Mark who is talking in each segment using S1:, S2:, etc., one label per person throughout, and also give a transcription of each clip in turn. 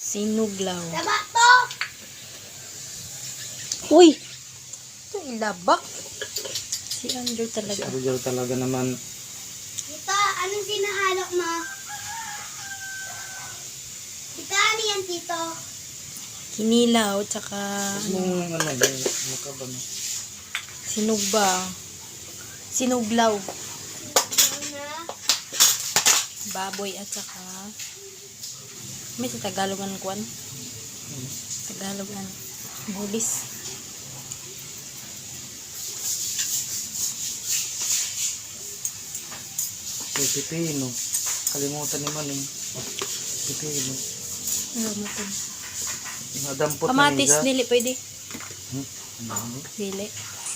S1: Sinuglaw.
S2: Laba to!
S1: Uy! Ito ilabak. Si Andrew
S3: Si
S1: talaga.
S3: Argel talaga naman.
S2: Tito, anong sinahalo mo? Tito, ano yan, Tito?
S1: Kinilaw, tsaka
S3: Mong ano ba? Mukha ba?
S1: sinugba. Sinuglaw.
S2: Ano na?
S1: Baboy at saka may sa Tagalogan kwan. Tagalogan. Bulis.
S3: Pipino. Kalimutan ni Manong. Pipino.
S1: Ano mo to?
S3: Nadampot na
S1: Kamatis,
S3: niya.
S1: dili pwede.
S3: Ano?
S1: Dili.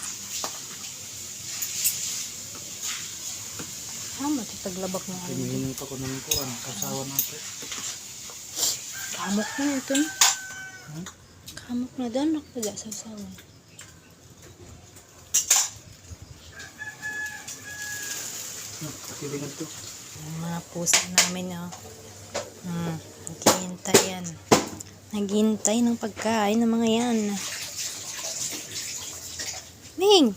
S1: Matitaglabak na ano.
S3: Hinihingi pa ko ng kuran. Kasawa natin.
S1: Kamok na ito. Kamok na doon. Nakapag sasawan.
S3: Pilingan to.
S1: Yung mga pusa namin, oh. Naghihintay yan. Naghihintay ng pagkain ng mga yan. Ning!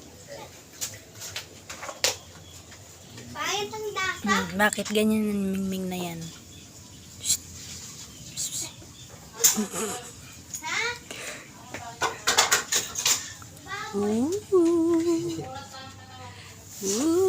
S2: Payat ang lasa.
S1: Bakit ganyan ang mingming na yan?
S2: Ha?
S1: Ooh. Ooh.